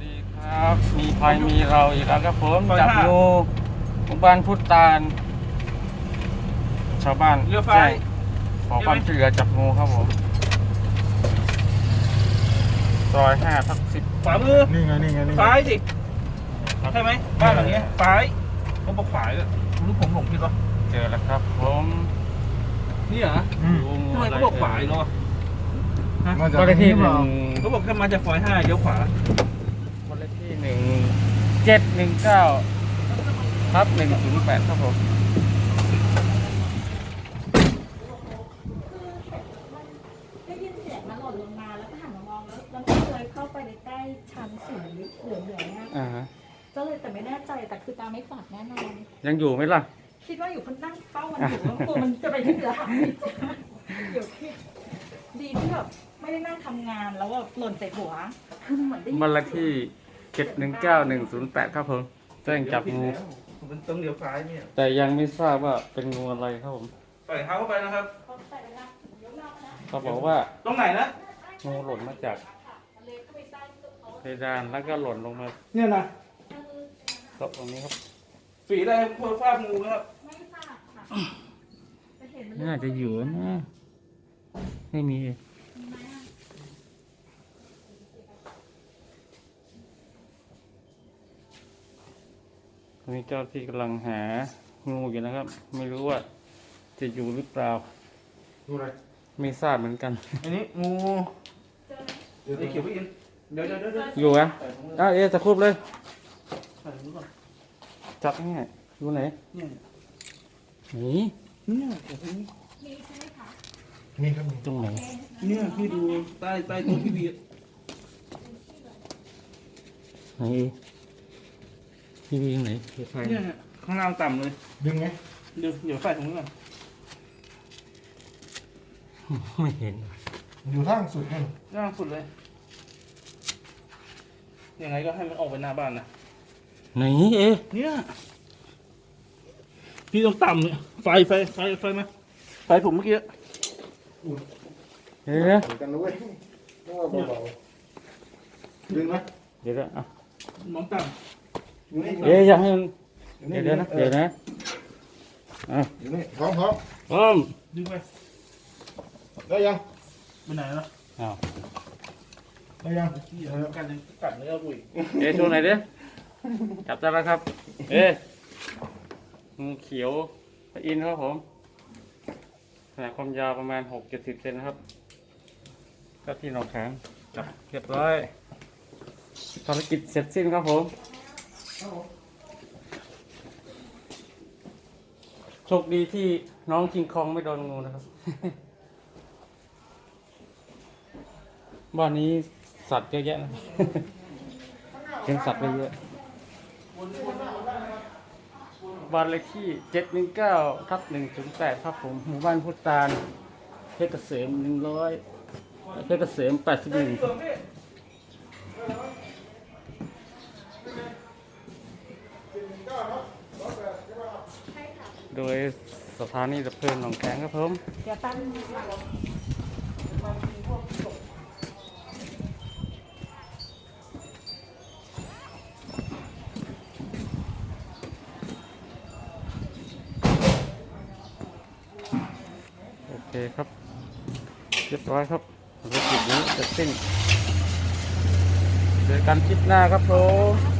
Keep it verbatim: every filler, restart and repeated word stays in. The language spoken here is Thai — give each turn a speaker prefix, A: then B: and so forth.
A: ดีครับมีภัยมีเราอีกแล้วครับผมจับงูหมู่บ้านพุทธตาลชาวบ้าน
B: เรือไฟ
A: แจ้งขอความช่วยเหลือจับงูครับผมซอยห้าทับสิบ
B: ขวามือ
C: นี่ไงนี่ไงนี่ไง
B: ซ้ายสิใช่ไหมบ้านหลังเนี้ยซ้ายเขาบอกขวาเลยหรือผมหลงผิดวะ
A: เจอแล้วครับผม
B: นี่เหรอ
C: อืม
A: ดูงู
B: ทำไม
A: อะไร
B: เขาบอกขวาอีกแล้ววะ
C: มาจาก
A: บ้านเลขที่ห
C: เป
A: นึ่
C: ล่าง
B: เขาบอกถ้ามาจากซอยห้าเลี้ยวขวา
A: บ้านเลขที่หนึ่งเจ็ดหนึ่งเก้าทับหนึ่งศูนย์แปดครับผม
D: ได้ยินเสียงมันหล่นลงมาแล้วก็หันมามองแล้วแล้วก็เลยเข้าไปในใต้ชั้นสีเหลืองๆเนี่ย
A: อ่าฮะ
D: ก็เลยแต่ไม่แน่ใจแต่คือตาไม่ฝาดแน่นอน
A: ยังอยู่ไหมล่ะ
D: คิดว่าอยู่คนนั่งเฝ้ามันอยู่แล้วกลัวมันจะไปที่เหลือหายเดี๋ยวคิดดีที่แบบไม่ได้นั่งทำงานแล้วแบบหล่นใส่หัวคือเหมือนได้ยิน
A: บ้านเลขที่เจ็ดหนึ่งเก้าหนึ่งศูนย์แปดครับผมแจ้งจับงู
B: มันต้องเลี้ยวซ้ายเนี่ย
A: แต่ยังไม่ทราบว่าเป็นงูอะไรครับผม
B: ใส่เท้าเข้าไปนะครับ
D: เขาใส่ไปละเดี๋ยวรอบนะ
A: เขาบอกว่า
B: ตรงไหนนะ
A: งูหล่นมาจาก
D: เลยเข้าไปใต้ตัวเขา
A: เพดานแล้วก็หล่นลงมา
B: เนี่ยนะ
A: ตกตรงนี้ครับ
B: ฝีได้เพื่อฟาดงูนะครับ
D: ไม่ฝาดค่ะจะเห็นมัน
A: น่าจะอยู่นะไม่มี
D: ไหมอะ
A: ตอนนี้เจ้าที่กำลังหางูอยู่นะครับ ไม่รู้ว่าจะอยู่หรือเปล่า
C: ดูอะไร
A: ไม่ทราบเหมือนกัน
B: อันนี้งู
D: เจอไหม
B: เดี๋ยวเขียวพี่อินเดี๋ยวเดี๋ยวเดี๋ยวเดี๋ยว
A: อยู่อ่ะอ้าวเอ๊ะตะครุบเลย
B: ใส่ถุงมือก่อน
A: จับง่ายอยู่ไหน
B: เนี่ย
A: นี่
B: เนี่ยโอ้โห
D: มีใช่ไหมคะ
C: นี่ครับนี่
A: ตรงไหน
B: เนี่ยพี่ดูใต้ใต้ตัวพี่วี
A: ไหนพี่วิ่งไหนพี่ใคร
B: เนี่ยข้างล่างต่ำเลย
C: ดึงไง
B: เดี๋ยวเดี๋ยวใส่ถุงมือก่อน
A: ไม่เห็น
C: อยู่ล่างสุดนี่
B: ล่างสุดเลยยังไงก็ให้มันออกไปหน้าบ้านนะ
A: ไหนเอ๊ะ
B: เนี่ยพี่ต้องต่ำเนี่ยไฟไฟไฟไฟมาไฟผมเมื่อกี้
A: เดี๋ยวนะ
C: เหมือนกันนะเว้ยต้องว่าเบาๆดึงไหม
A: เดี๋ยวนะอ่ะ
B: มองต่
C: อยู่นี่
A: เอ๊ะอยากให้มันเดี๋ยวเดี๋ยวนะเดี๋ยวนะอ่ะ
C: อยู่นี่พร้อมพร้อม
A: พร้อม
B: ำดึงไป
C: ได้ยัง
B: ไปไหนล่ะ
A: อ้าว
C: ได้ยัง
B: พี่อย่ากัดเลยกัดเนื้อบุ๋ย
A: เอ๊ะโชว์ไหนอยดิจับได้แล้วครับ เอ๊ะงูเขียวพระอินทร์ครับผมขนาดความยาวประมาณหกเจ็ดสิบเซนนะครับก็ที่หนองแขงจับเรียบร้อยภารกิจเสร็จสิ้นครับผมโชคดีที่น้องคิงคองไม่โดนงูนะครับ บ้านนี้สัตว์เยอะแยะนะ เลี้ยงสัตว์ไปเยอะ บ้านเลขที่เจ็ดหนึ่งเก้าทับหนึ่งศูนย์แปดครับผม หมู่บ้านพุทธตาลเพชรเกษมหนึ่งร้อยเพชรเกษมแปดสิบหนึ่งโดยสถานีดับเพลิงหนองแขงครับผม
D: เดี๋ยวตั้ง
A: โอเคครับ เรียบร้อยครับภารกิจนี้เสร็จสิ้นเจอกันคลิปหน้าครับผม